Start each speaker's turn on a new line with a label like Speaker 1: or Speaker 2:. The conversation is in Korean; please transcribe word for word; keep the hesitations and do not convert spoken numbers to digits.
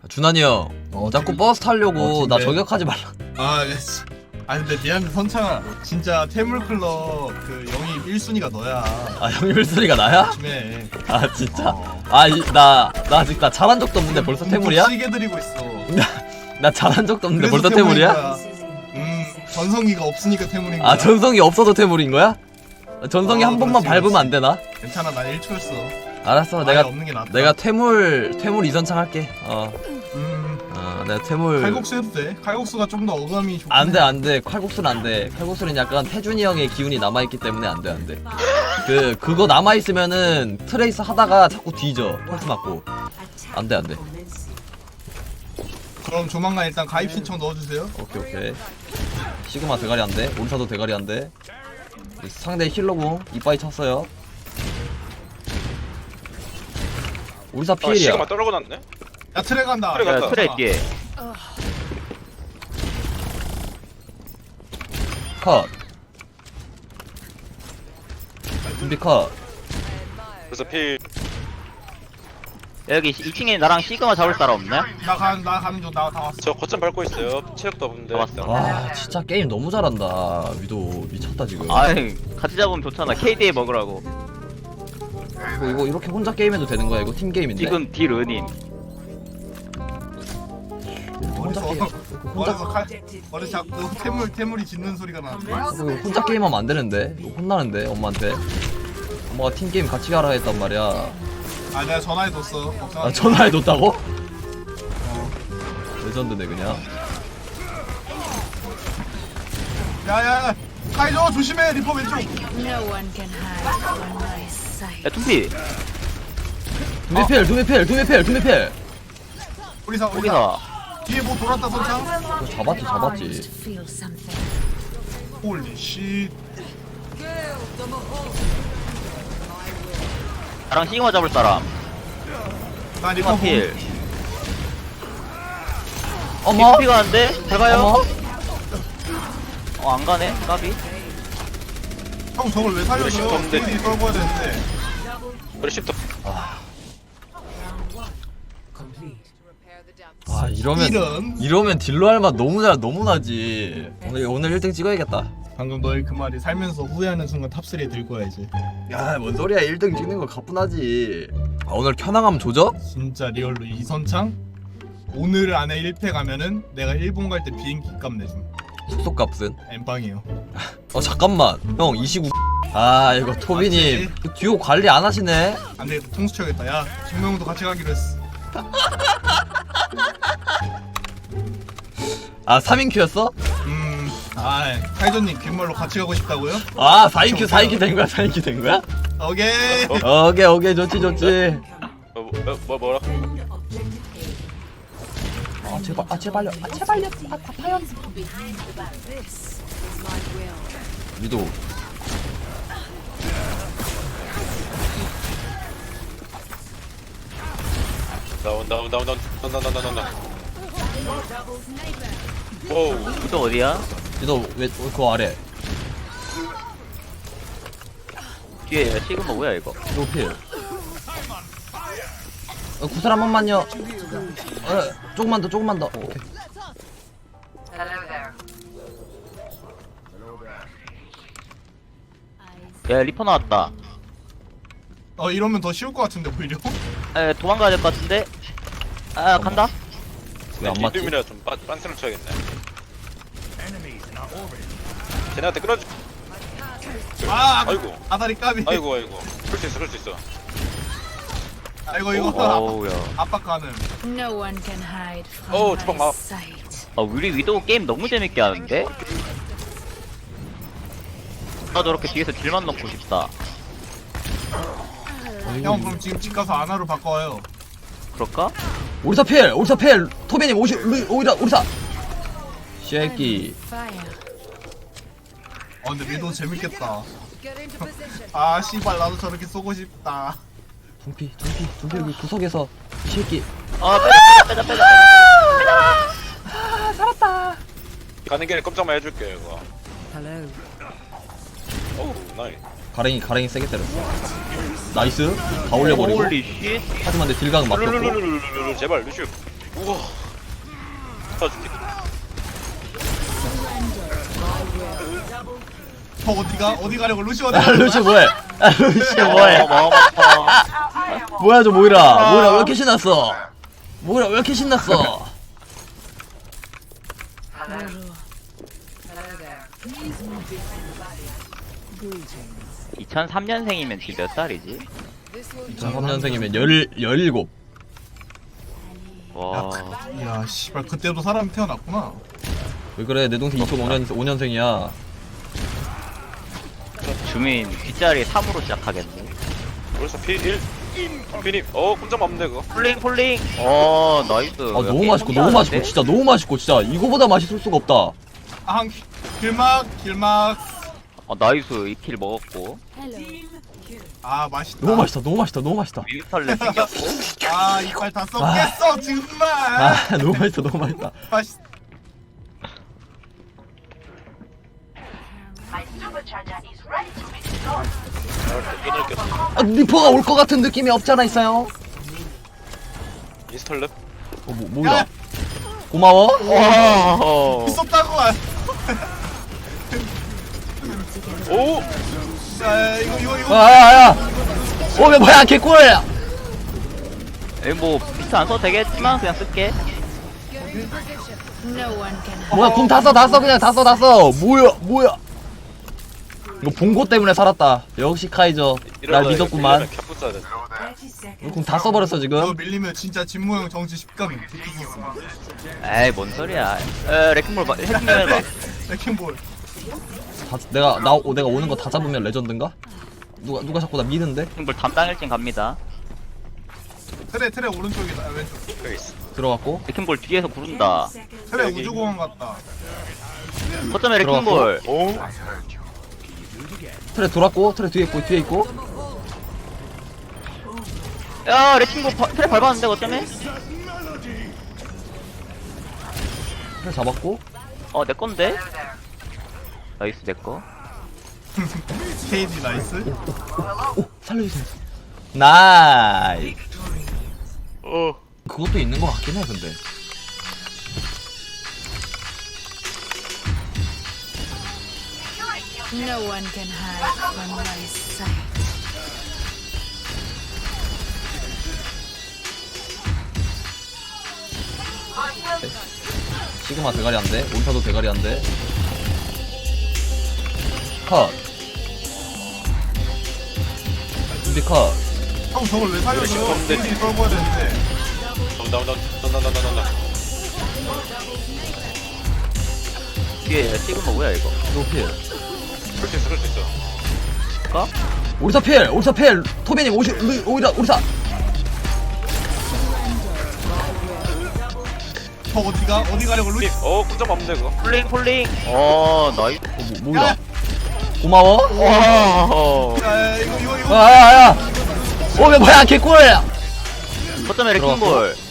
Speaker 1: 준환이 형, 어, 자꾸 버스 타려고
Speaker 2: 어,
Speaker 1: 나
Speaker 2: 근데-
Speaker 1: 저격하지 말라.
Speaker 2: 아, 씨. 아 근데 미안해 선창아 진짜 태물클럽 그 영입 일 순위가 너야.
Speaker 1: 아, 형이 일소리가 나야?
Speaker 2: 조심해.
Speaker 1: 아, 진짜?
Speaker 2: 어.
Speaker 1: 아, 이, 나, 나 아직 나 잘한 적도 없는데 벌써 태물이야?
Speaker 2: 시게 드리고 있어.
Speaker 1: 나 잘한 적도 없는데
Speaker 2: 그래서
Speaker 1: 벌써
Speaker 2: 태물인
Speaker 1: 태물이야?
Speaker 2: 거야. 음 전성기가 없으니까 태물인 거야.
Speaker 1: 아, 전성이 없어도 태물인 거야? 전성이
Speaker 2: 어,
Speaker 1: 한 번만
Speaker 2: 그렇지,
Speaker 1: 밟으면
Speaker 2: 그렇지.
Speaker 1: 안 되나?
Speaker 2: 괜찮아 난 일 초였어.
Speaker 1: 알았어,
Speaker 2: 아예
Speaker 1: 내가
Speaker 2: 없는 게 낫다.
Speaker 1: 내가 퇴물 퇴물 이선창 할게. 어,
Speaker 2: 음
Speaker 1: 어, 내가 퇴물.
Speaker 2: 칼국수 해도 돼. 칼국수가 좀 더 어감이 좋긴
Speaker 1: 안돼
Speaker 2: 해.
Speaker 1: 안돼, 칼국수는 안돼. 칼국수는 약간 태준이 형의 기운이 남아 있기 때문에 안돼 안돼. 그 그거 남아 있으면은 트레이스 하다가 자꾸 뒤져. 펄스 맞고. 안돼 안돼.
Speaker 2: 그럼 조만간 일단 가입 신청 넣어주세요.
Speaker 1: 오케이 오케이. 시그마 대가리 안돼. 온사도 대가리 안돼. 상대 힐러공 이빠이 쳤어요. 우리사
Speaker 3: 아
Speaker 1: 피일이야.
Speaker 3: 시그마 떨어고 났네?
Speaker 2: 야 트레 간다.
Speaker 3: 트레 간다.
Speaker 4: 야, 트레 뒤에.
Speaker 1: 컷. 준비 컷.
Speaker 3: 그래서 필
Speaker 4: 여기 이 층에 나랑 시그마 잡을 사람 없네?
Speaker 2: 나 가는 나 가는 중 나 다 왔어.
Speaker 3: 저 거점 밟고 있어요. 체력도 없는데.
Speaker 4: 잡았어.
Speaker 1: 와 진짜 게임 너무 잘한다. 위도 미쳤다 지금.
Speaker 4: 아이, 같이 잡으면 좋잖아. 케이디에이 먹으라고.
Speaker 1: 이거, 이거 이렇게 혼자 게임해도 되는 거야? 이거 팀 게임인데.
Speaker 4: 지금 딜 은인.
Speaker 1: 혼자
Speaker 2: 어디서
Speaker 1: 게임. 혼자
Speaker 2: 어디서 칼 어디 자꾸 태물 태물이 짖는 소리가 나는데.
Speaker 1: 이거 혼자 게임하면 안 되는데. 이거 혼나는데 엄마한테. 엄마가 팀 게임 같이 가라 했단 말이야.
Speaker 2: 아 내가 전화해뒀어. 걱정하지
Speaker 1: 아
Speaker 2: 마.
Speaker 1: 전화해뒀다고? 레전드네 그냥.
Speaker 2: 야야 카이저 조심해 리퍼 왼쪽.
Speaker 5: No one can hide from my sight.
Speaker 4: 야, tum피.
Speaker 1: 두미필 두미필 두미필 두미필.
Speaker 2: 우리사 우리사
Speaker 4: 거기서.
Speaker 2: 뒤에 뭐 돌았다 선창.
Speaker 1: 이거 잡았지 잡았지.
Speaker 5: To feel something.
Speaker 2: 홀리 씨.
Speaker 4: 나랑 시그마 잡을 사람.
Speaker 2: 나 리퍼
Speaker 4: 시그마 필.
Speaker 1: 어머.
Speaker 4: 피가 안 돼? 잘 가요?
Speaker 1: 어머.
Speaker 4: 어, 안 가네? 까비?
Speaker 2: 형 저걸 왜 살려줘요?
Speaker 3: 시프트 없는데.
Speaker 2: 딜이 떨궈야 되는데.
Speaker 3: 우리 십도
Speaker 1: 아 이러면
Speaker 2: 이런.
Speaker 1: 이러면 딜로 할 맛 너무 잘 너무 나지. 오늘 오늘 일 등 찍어야겠다.
Speaker 2: 방금 너의 그 말이 살면서 후회하는 순간 탑삼에 들 거야 이제.
Speaker 1: 야, 뭔 소리야. 일 등 찍는 거 가뿐하지. 아, 오늘 켜나가면 조져?
Speaker 2: 진짜 리얼로 이선창 오늘 안에 일 패 가면은 내가 일본 갈 때 비행기 값 내줌.
Speaker 1: 숙소 값은?
Speaker 2: 엠빵이에요.
Speaker 1: 어, 잠깐만. 형, 이 시구. 아, 이거 토비님. 그 듀오 관리 안 하시네?
Speaker 2: 안 되겠다 통수 쳐야겠다. 야 정명훈도 같이 가기로 했어.
Speaker 1: 아, 삼 인 큐였어?
Speaker 2: 음, 아 카이저님 귓말로 같이 가고 싶다고요?
Speaker 1: 아, 사 인 큐, 사 인 큐 된 거야, 사 인 큐 된 거야?
Speaker 2: 오케이.
Speaker 1: 오케이, 오케이. 좋지, 좋지.
Speaker 3: 어, 뭐, 뭐 뭐라?
Speaker 1: 아, 제발, 아, 제발요. 아, 제발요. 아, 아파요. 위도.
Speaker 3: 나온다 나온다 나온다 나온다 나온다 나온다. 오우
Speaker 4: 또 어디야?
Speaker 1: 위도, 왜, 그 아래.
Speaker 4: 뒤에 시그마 뭐야, 이거?
Speaker 1: 위도 필. 어, 구슬 한 번만요. 어, 조금만 더, 조금만 더. 오케이.
Speaker 4: 야, 리퍼 나왔다.
Speaker 2: 어 이러면 더 쉬울 것 같은데 오히려.
Speaker 4: 에, 도망가야 될 것 같은데? 아, 간다?
Speaker 1: 왜 안 맞지?
Speaker 3: 이름이라 좀 빤- 빤스를 쳐야겠네. 쟤네한테 끌어줘.
Speaker 2: 아,
Speaker 3: 아이고.
Speaker 2: 아다리 까비.
Speaker 3: 아이고 아이고. 그럴 수 있어 그럴 수 있어.
Speaker 2: 아이고 이거
Speaker 4: 어우, 야.
Speaker 2: 압박 가능.
Speaker 5: No one can hide from
Speaker 3: Oh,
Speaker 5: my
Speaker 3: 주방 막-
Speaker 5: sight.
Speaker 4: 아, 우리 위도우 게임 너무 재밌게 하는데? 나 저렇게 뒤에서 딜만 넣고 싶다.
Speaker 2: 형 그럼 지금 집 가서 아나로 바꿔와요.
Speaker 4: 그럴까?
Speaker 1: 오리사 필! 오리사 필! 토비님 오시, 루, 오리사, 오리사! 쉐끼.
Speaker 5: Fire.
Speaker 2: 어 근데 미도 재밌겠다. 아 씨발 나도 저렇게 쏘고 싶다.
Speaker 1: 둠피, 둠피, 둠피 여기 구석에서 쉐끼.
Speaker 4: 아, 빼자, 빼자, 빼자.
Speaker 3: 가는 길에 꼼짝만 해줄게 이거. 오우 나이.
Speaker 1: 가랭이, 가랭이 세게 때렸어. 나이스. 다 올려버리고.
Speaker 4: 홀리 쉣.
Speaker 1: 하지만 내 딜각은 막혔고.
Speaker 3: 룰루루루루루 제발 루슈. 오 우와. 터줄게.
Speaker 2: 저 어디가? 어디 가려고 루시 어디
Speaker 1: 아
Speaker 2: 가려고?
Speaker 1: 루시 뭐해? 아 루시 뭐해?
Speaker 4: 어, 마음 아파.
Speaker 1: 뭐야 저 모이라? 모이라 왜 이렇게 신났어? 모이라 왜 이렇게 신났어?
Speaker 4: 이천삼 년생이면 지금 몇 살이지?
Speaker 1: 이천삼 년생이면 열 열일곱.
Speaker 4: 와.
Speaker 2: 야 씨발 그때도 사람이 태어났구나.
Speaker 1: 왜 그래 내 동생 이천오 년 오 년생이야.
Speaker 4: 주민 뒷자리 삼으로 시작하겠네.
Speaker 3: 벌써 피 일. 피님. 어 꼼짝 없는데 그거.
Speaker 4: 폴링 폴링. 어 나이스.
Speaker 1: 아 너무 맛있고 너무 맛있고 진짜 너무 맛있고 진짜 이거보다 맛있을 수가 없다.
Speaker 2: 아 길막 길막.
Speaker 4: 어 나이스 이 킬 먹었고.
Speaker 5: Hello.
Speaker 2: 아 맛있다.
Speaker 1: 너무 맛있다 너무 맛있다 너무 맛있다.
Speaker 4: 뮤탈레 생겼고.
Speaker 2: 아 이빨 다 썩겠어 정말.
Speaker 1: 아 너무 맛있다 너무 맛있다.
Speaker 2: 맛있.
Speaker 3: 끊을게.
Speaker 1: 아 리퍼가 올 것 같은 느낌이 없잖아 있어요.
Speaker 3: 인스톨랩.
Speaker 1: 어 뭐, 뭐야? 고마워.
Speaker 4: 와.
Speaker 2: 있었다고.
Speaker 3: 오.
Speaker 2: 야 이거 이거 이거.
Speaker 1: 아야야. 어왜 뭐야 개꿀.
Speaker 4: 에이 뭐 비트 안 써도 되겠지만 그냥 쓸게.
Speaker 5: No one can hide.
Speaker 1: 뭐야 궁 다 써 다 써 그냥 다 써 다 써. 뭐야 뭐야. 이거 봉고 때문에 살았다. 역시 카이저. 날 믿었구만.
Speaker 3: 캡프 써야 돼.
Speaker 1: 궁 다 써버렸어
Speaker 2: 이거
Speaker 1: 지금.
Speaker 2: 밀리면 진짜 진모형 정치 십감이 있었어.
Speaker 4: 에이 뭔 소리야. 에 레킹볼 봐. 해킹 해봐.
Speaker 2: 레킹볼.
Speaker 1: 다, 내가 나 오, 내가 오는 거 다 잡으면 레전드인가? 누가 누가 자꾸 나 미는데?
Speaker 4: 레킹볼 담당 일진 갑니다.
Speaker 2: 트레 트레 오른쪽이다. 아, 왼쪽.
Speaker 3: 여기 있어.
Speaker 1: 들어갔고.
Speaker 4: 레킹볼 뒤에서 구른다.
Speaker 2: 트레
Speaker 3: 여기.
Speaker 2: 우주공항 같다.
Speaker 4: 거점에 레킹볼.
Speaker 3: 오.
Speaker 1: 트레 돌았고 트레 뒤에 있고 뒤에 있고.
Speaker 4: 야 레킹볼 바, 트랩 밟았는데 거점에?
Speaker 1: 트레 잡았고.
Speaker 4: 어 내 건데? 나이스 내 거.
Speaker 2: 케이디 나이스.
Speaker 1: 오 살려주세요. 나이.
Speaker 3: 어.
Speaker 1: 그것도 있는 것 같긴 해 근데.
Speaker 5: No one can hide from my sight.
Speaker 1: 시그마 대가리 안 돼. 몬타도 대가리 안 돼. 컷. 준비 컷.
Speaker 2: 형 저걸 왜 살려줘?
Speaker 3: 없는데.
Speaker 2: 케이디 썰어야 되는데.
Speaker 3: 나온다 나온다 나온다 나온다.
Speaker 4: 뒤에 시그마 뭐야 이거?
Speaker 1: 노필.
Speaker 3: 그럴 수 있어 그럴 수 있어.
Speaker 4: 가?
Speaker 1: 오리사 필. 오리사 필. 토비님 오시 루- 오리사 오리사.
Speaker 2: 저 어디가? 어디 가려고 루시?
Speaker 3: 피님. 어 꼼짝 없는데 그거.
Speaker 4: 폴링 폴링. 어 나이스.
Speaker 1: 어, 뭐, 뭐야? 고마워.
Speaker 4: 와.
Speaker 2: 야 이거 이거 이거.
Speaker 1: 아야야. 어왜 뭐야 개꿀.
Speaker 4: 거점에 레킹볼.